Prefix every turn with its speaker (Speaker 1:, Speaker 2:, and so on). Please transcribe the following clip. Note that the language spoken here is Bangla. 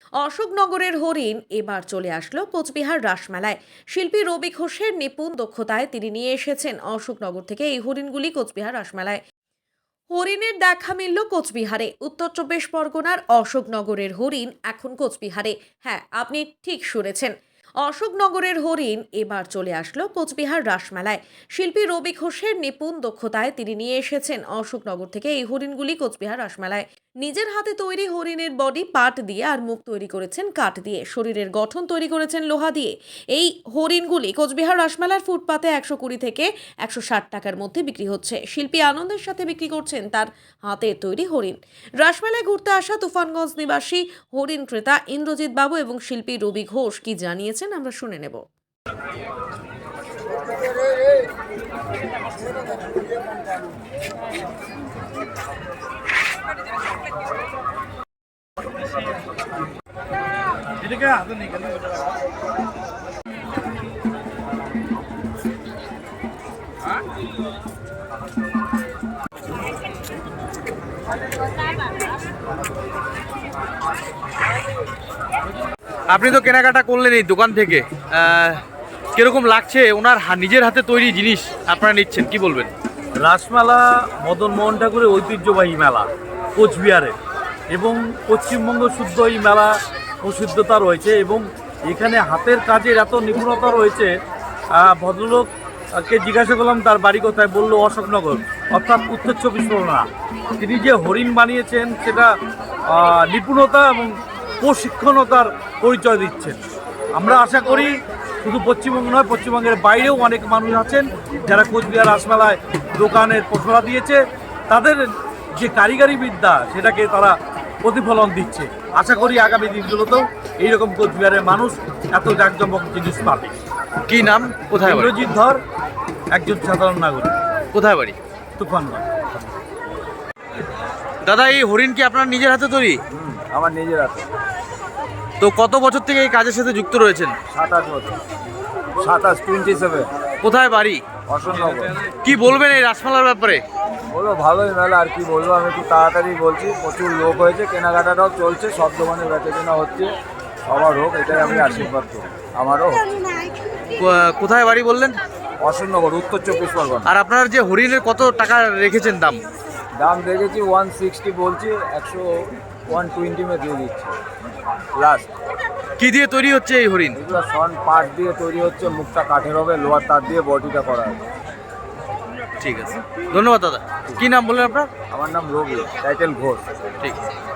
Speaker 1: অশোকনগরের হরিণ এবার চলে আসলো কোচবিহার রাসমেলায়। শিল্পী রবি ঘোষের নিপুণ দক্ষতায় তিনি নিয়ে এসেছেন অশোকনগর থেকে এই হরিণগুলি কোচবিহার রাসমেলায়। হরিণের দেখা মিলল কোচবিহারে। উত্তর চব্বিশ পরগনার অশোকনগরের হরিণ এখন কোচবিহারে। হ্যাঁ, আপনি ঠিক শুনেছেন, অশোকনগরের হরিণ এবার চলে আসলো কোচবিহার রাসমেলায়। শিল্পী রবি ঘোষের নিপুণ দক্ষতায় তিনি নিয়ে এসেছেন অশোকনগর থেকে এই হরিণগুলি কোচবিহার রাসমেলায়। নিজের হাতে তৈরি হরিণের বডি পাট দিয়ে আর মুখ তৈরি করেছেন কাঠ দিয়ে, শরীরের গঠন তৈরি করেছেন লোহা দিয়ে। এই হরিণগুলি কোচবিহার রাসমেলার ফুটপাতে 120 থেকে 160 টাকার মধ্যে বিক্রি হচ্ছে। শিল্পী আনন্দের সাথে বিক্রি করছেন তার হাতের তৈরি হরিণ। রাসমেলায় ঘুরতে আসা তুফানগঞ্জ নিবাসী হরিণ ক্রেতা ইন্দ্রজিৎ বাবু এবং শিল্পী রবি ঘোষ কি জানিয়েছেন আমরা শুনে নেব।
Speaker 2: আপনি তো কেনাকাটা করলেন এই দোকান থেকে, কিরকম লাগছে ওনার নিজের হাতে তৈরি জিনিস আপনারা নিচ্ছেন, কি বলবেন?
Speaker 3: রাসমেলা মদন মোহন ঠাকুরের ঐতিহ্যবাহী মেলা কোচবিহারে, এবং পশ্চিমবঙ্গ শুদ্ধ এই মেলা প্রসিদ্ধতা রয়েছে এবং এখানে হাতের কাজের এত নিপুণতা রয়েছে। ভদ্রলোককে জিজ্ঞাসা করলাম তার বাড়ি কোথায়, বললো অশোকনগর, অর্থাৎ উত্তর চব্বিশ পরগনা। তিনি যে হরিণ বানিয়েছেন সেটা নিপুণতা এবং প্রশিক্ষণতার পরিচয় দিচ্ছেন। আমরা আশা করি শুধু পশ্চিমবঙ্গ নয়, পশ্চিমবঙ্গের বাইরেও অনেক মানুষ আছেন যারা কোচবিহার রাসমেলায় দোকানের পসরা দিয়েছে, তাদের যে কারিগরি বিদ্যা সেটাকে তারা প্রতিফলন দিচ্ছে। আশা করি আগামী দিনগুলোতেও এইরকম কোচবিহারের মানুষ এত জাঁকজমক জিনিস পাবে।
Speaker 2: কি নাম, কোথায় বাড়ি?
Speaker 3: ইন্দ্রজিৎ ধর, একজন সাধারণ নাগরিক।
Speaker 2: কোথায় বাড়ি?
Speaker 3: তুফানগঞ্জ।
Speaker 2: দাদা, এই হরিণ কি আপনার নিজের হাতে তৈরি?
Speaker 3: আমার নিজের হাতে।
Speaker 2: তো কত বছর থেকে এই কাজের সাথে যুক্ত রয়েছেন?
Speaker 3: 27 বছর। 27
Speaker 2: কোথায় বাড়ি?
Speaker 3: অশোকনগর।
Speaker 2: কি বলবেন এই রাসমেলার ব্যাপারে?
Speaker 3: বলো ভালোই মেলা, আর কি বলবো, আমি একটু তাড়াতাড়ি বলছি। প্রচুর লোক হয়েছে, কেনাকাটাটাও চলছে, সব দোকানে বেচা কেনা হচ্ছে, সবার হোক এটাই আমি আশীর্বাদ করি। আমারও
Speaker 2: কোথায় বাড়ি বললেন?
Speaker 3: অশোকনগর, উত্তর চব্বিশ পরগনা।
Speaker 2: আর আপনার যে হরিণের কত টাকা রেখেছেন দাম?
Speaker 3: দাম দেখেছি 160 বলছি, 120 মে দিয়ে দিচ্ছি লাস্ট।
Speaker 2: কি দিয়ে তৈরি হচ্ছে এই হরিণ?
Speaker 3: এগুলো সন পাট দিয়ে তৈরি হচ্ছে, মুখটা কাঠের হবে, লোহার তার দিয়ে বডিটা করা হবে।
Speaker 2: ঠিক আছে, ধন্যবাদ দাদা। কি নাম বললেন আপনার?
Speaker 3: আমার নাম রবি, টাইটেল ঘোষ।
Speaker 2: ঠিক আছে।